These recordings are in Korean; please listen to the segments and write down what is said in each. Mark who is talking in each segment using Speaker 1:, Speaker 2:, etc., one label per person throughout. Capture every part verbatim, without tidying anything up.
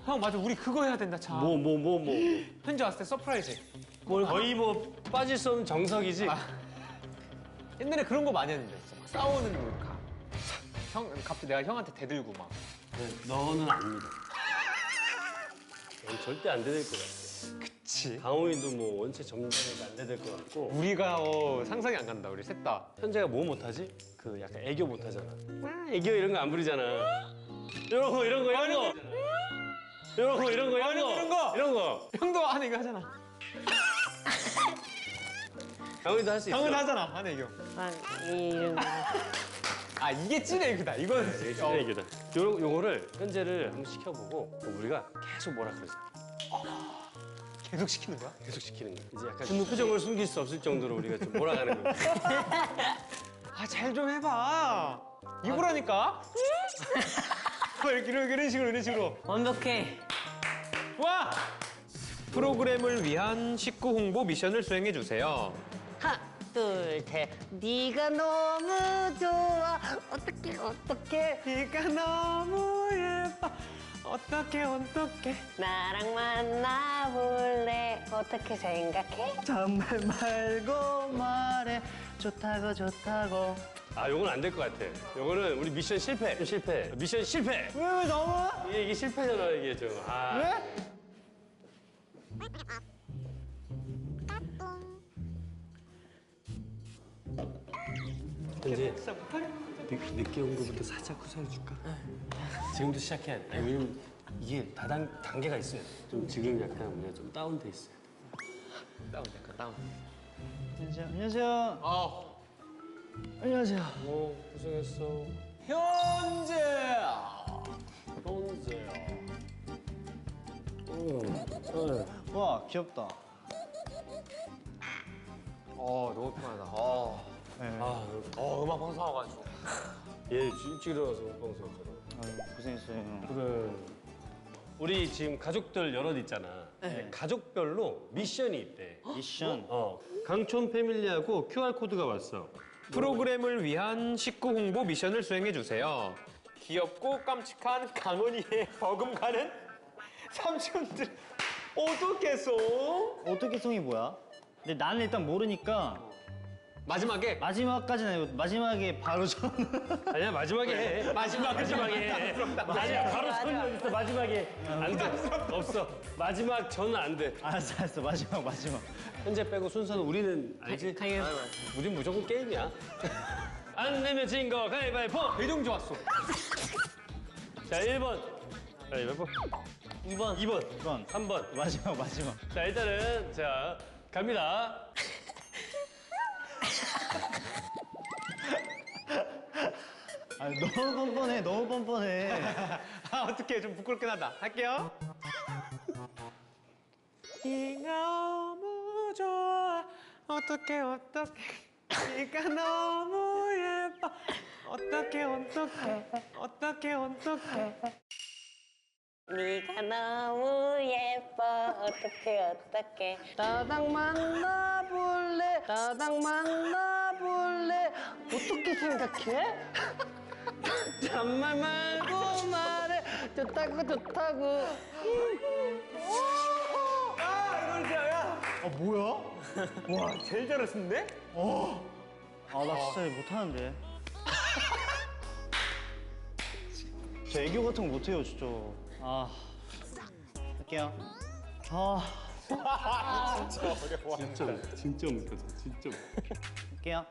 Speaker 1: 형 맞아, 우리 그거 해야 된다 참.
Speaker 2: 뭐 뭐 뭐 뭐.
Speaker 1: 현지 왔을 때 서프라이즈.
Speaker 2: 뭘 거의 뭐 빠질 수 없는 정석이지.
Speaker 1: 아, 옛날에 그런 거 많이 했는데 진짜 막 싸우는 몰카. 형 갑자기 내가 형한테 대들고 막.
Speaker 2: 네, 너는 안 믿어. 넌 절대 안 대들 것 같아.
Speaker 1: 그치.
Speaker 2: 강호인도 뭐 원체 점잖으니까 안 대들 것 같고.
Speaker 1: 우리가 어, 상상이 안 간다 우리 셋 다.
Speaker 2: 현재가 뭐 못하지? 그 약간 애교 못하잖아. 아, 애교 이런 거 안 부리잖아. 이런 거 이런 거 이런 거. 이런 거 이런 거 이런 거
Speaker 1: 이런 거.
Speaker 2: 이런 거.
Speaker 1: 형도 하는 이거 하잖아.
Speaker 2: 강호인도 할 수 있어.
Speaker 1: 형은 하잖아 하는 이거.
Speaker 3: 이런 거.
Speaker 1: 아 이게 찐 애교다. 이건
Speaker 2: 이게 진짜 애교다. 요 요거를 현재를 한번 시켜보고 우리가 계속 뭐라 그러자.
Speaker 1: 계속 시키는 거야?
Speaker 2: 계속 시키는 거야. 이제 약간 표정을 숨길 수 없을 정도로 우리가 좀 몰아가는 거야.
Speaker 1: 아 잘 좀 해봐. 이거라니까. 이렇게 이런, 이런 식으로 이런 식으로.
Speaker 3: 완벽해.
Speaker 1: 와! 프로그램을 위한 식구 홍보 미션을 수행해 주세요.
Speaker 3: 하나, 둘, 셋. 네가 너무 좋아. 어떡해, 어떡해.
Speaker 1: 네가 너무 예뻐. 어떡해 어떡해.
Speaker 3: 나랑 만나볼래. 어떻게 생각해?
Speaker 4: 정말 말고 말해. 좋다고 좋다고.
Speaker 2: 아, 요건 안 될 것 같아. 요거는 우리 미션 실패. 실패. 미션 실패.
Speaker 1: 왜 왜 너무?
Speaker 2: 이게, 이게 실패잖아, 이게 좀. 아.
Speaker 1: 왜?
Speaker 2: 현재 늦, 늦게 온 거부터 살짝 후사해 줄까? 지금도 시작해야 돼. 아니, 왜냐면 이게 다단 단계가 있어야 돼. 좀 지금 약간 우리가 좀 다운돼 있어야 돼.
Speaker 1: 다운 잠깐 다운.
Speaker 4: 안녕하세요. 안녕하세요.
Speaker 1: 어.
Speaker 4: 안녕하세요.
Speaker 2: 오, 고생했어.
Speaker 1: 현재.
Speaker 2: 현재야. 응. 응.
Speaker 4: 와 귀엽다.
Speaker 1: 어 너무 편하다. 어.
Speaker 4: 네.
Speaker 2: 아,
Speaker 1: 어 음악 방송 와가지고.
Speaker 2: 얘 일찍 일어나서 방송했잖아.
Speaker 4: 아유, 고생했어요.
Speaker 2: 그래. 우리 지금 가족들 여럿 있잖아. 가족별로 미션이 있대.
Speaker 4: 미션.
Speaker 2: 어. 강촌 패밀리하고 큐알코드가 왔어.
Speaker 1: 프로그램을 위한 식구 홍보 미션을 수행해 주세요. 귀엽고 깜찍한 강은이의 버금가는 삼촌들 어떻게 써?
Speaker 4: 어떻게 성이 뭐야? 근데 나는 일단 모르니까
Speaker 1: 마지막에
Speaker 4: 마지막까지는 아니고 마지막에 바로 저는
Speaker 2: 아니야, 마지막에 해.
Speaker 1: 마지막
Speaker 2: 마지막에 해. 아니야, 바로 손이 어딨어, 마지막에. 안 돼. 없어. 마지막 저는 안 돼.
Speaker 4: 알았어 알았어 마지막 마지막.
Speaker 2: 현재 빼고 순서는 우리는 알지?
Speaker 3: 당연.
Speaker 2: 우린 무조건 게임이야. 안 내면 진 거 가위바위보.
Speaker 1: 배동 좋았어.
Speaker 2: 자, 일 번. 가위바위보.
Speaker 3: 이 번.
Speaker 2: 이 번.
Speaker 4: 이번
Speaker 2: 삼 번.
Speaker 4: 마지막 마지막.
Speaker 2: 자, 일단은 자, 갑니다.
Speaker 4: 아 너무 뻔뻔해 너무 뻔뻔해.
Speaker 1: 아 어떡해 좀 부끄럽긴 하다. 할게요. 네가 너무 좋아 어떡해 어떡해 네가 너무 예뻐 어떡해 어떡해 어떡해 어떡해
Speaker 3: 네가 너무 예뻐. 어떡해, 어떡해. 나랑 만나볼래. 나랑 만나볼래. 어떻게 생각해? 잔말 말고 말해. 좋다고, 좋다고.
Speaker 1: 아 이걸 진짜
Speaker 4: 아 뭐야?
Speaker 1: 와 제일 잘했는데?
Speaker 4: 아 나 진짜 이거 못하는데. 저 애교 같은 거 못해요 진짜. 아 할게요. 아
Speaker 2: 진짜, 진짜 못하죠. 진짜.
Speaker 4: 할게요.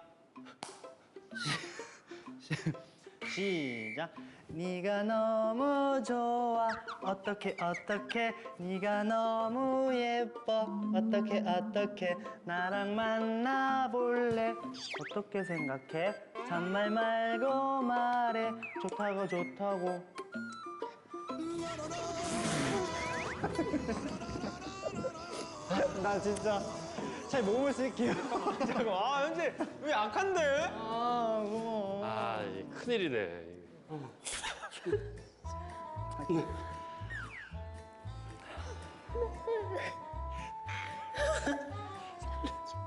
Speaker 4: 시작. 네가 너무 좋아 어떻게 어떻게 네가 너무 예뻐 어떻게 어떻게 나랑 만나볼래 어떻게 생각해 잔말 말고 말해 좋다고 좋다고. 나 진짜 잘 몸을 쓸게요.
Speaker 1: 잠깐 아 현재 왜 약한데?
Speaker 4: 아 고마워.
Speaker 2: 아, 이게 큰일이네.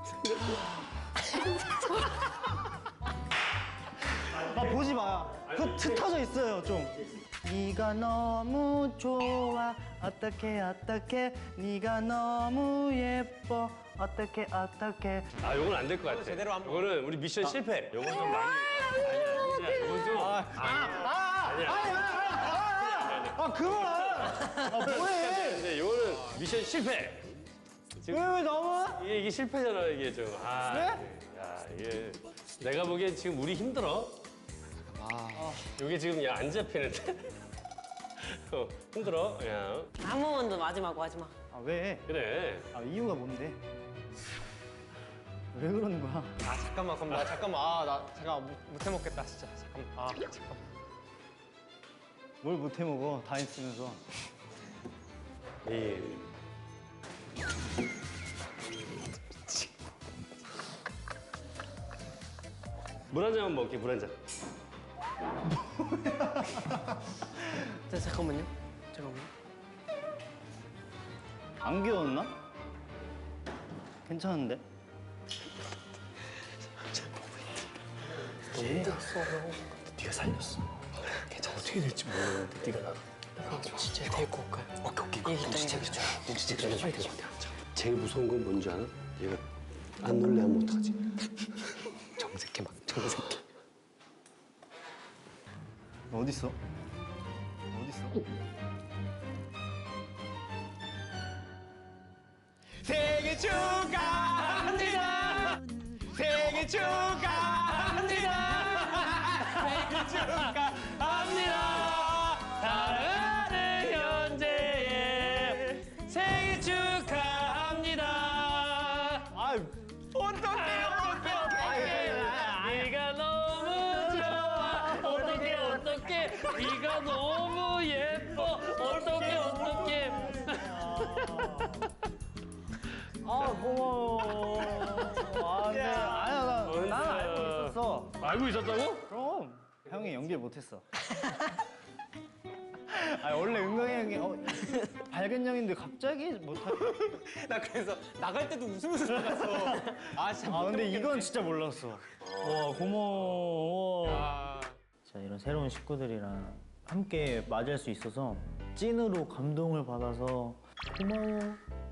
Speaker 4: 아 보지 마. 그 좀 흩어져 있어요, 좀. 네가 너무 좋아. 어떡해, 어떡해. 네가 너무 예뻐. 어떡해, 어떡해.
Speaker 2: 아, 요건 안 될 것 같아.
Speaker 1: 제대로 안
Speaker 2: 요거는 우리 미션 실패. 요건 좀 많이. 아니야, 요건 좀. 아니야.
Speaker 4: 아, 그만! 아, 뭐해!
Speaker 2: 근데 요거는 미션 실패.
Speaker 4: 왜, 왜 너무?
Speaker 2: 이게, 이게 실패잖아, 이게 좀. 아, 야, 이게. 내가 보기엔 지금 우리 힘들어. 아. 요게 지금 야, 안 잡히는데? 어, 힘들어, 야.
Speaker 3: 한 번만 더 마지막 마지막.
Speaker 4: 아, 왜?
Speaker 2: 그래.
Speaker 4: 아, 이유가 뭔데? 왜 그러는 거야?
Speaker 1: 아 잠깐만 그럼 나 잠깐만 아 나 잠깐 못, 못 해먹겠다 진짜 잠깐만 아 잠깐만
Speaker 4: 뭘 못 해 먹어, 다 있으면서.
Speaker 2: 예. 물 한 잔만 먹게, 물 한 잔.
Speaker 3: 자, 잠깐만요. 잠깐만요.
Speaker 4: 안 귀여웠나? 괜찮은데?
Speaker 2: 네가 살렸어. 괜찮아. 어떻게 될지 모르는데 네가 나.
Speaker 3: 그럼 진짜 데리고 올까요?
Speaker 2: 오케이 오케이.
Speaker 3: 얘기
Speaker 2: 눈치채기
Speaker 3: 좀
Speaker 2: 줘. 눈치채기 줘. 빨리 줘. 제일 무서운 건 뭔지 알아? 얘가 안 놀래면 어떡하지? 정색해 막 정색해.
Speaker 4: 너 어딨어? 어딨어?
Speaker 1: 생일 축하합니다 생일 축하합니다 생일 축하합니다 사랑하는 현재의 생일 축하합니다
Speaker 4: 아,
Speaker 1: 어떡해요 어떡해
Speaker 3: 네가 너무 좋아. 어떡해 어떡해. 네가 너무 예뻐. 어떡해 어떡해.
Speaker 4: 아, 고마워. 아, 근데 아니야, 나, 난 알고 있었어.
Speaker 2: 알고 있었다고?
Speaker 4: 그럼 형이 연기를 못했어. 아, 원래 은광이 형이 어, 밝은 형인데 갑자기 못하.
Speaker 1: 나 그래서 나갈 때도 웃으면서 나갔어 아 진짜
Speaker 4: 아, 근데 이건 진짜 몰랐어. 와, 고마워.
Speaker 1: 아.
Speaker 5: 자, 이런 새로운 식구들이랑 함께 맞이할 수 있어서 찐으로 감동을 받아서 고마워.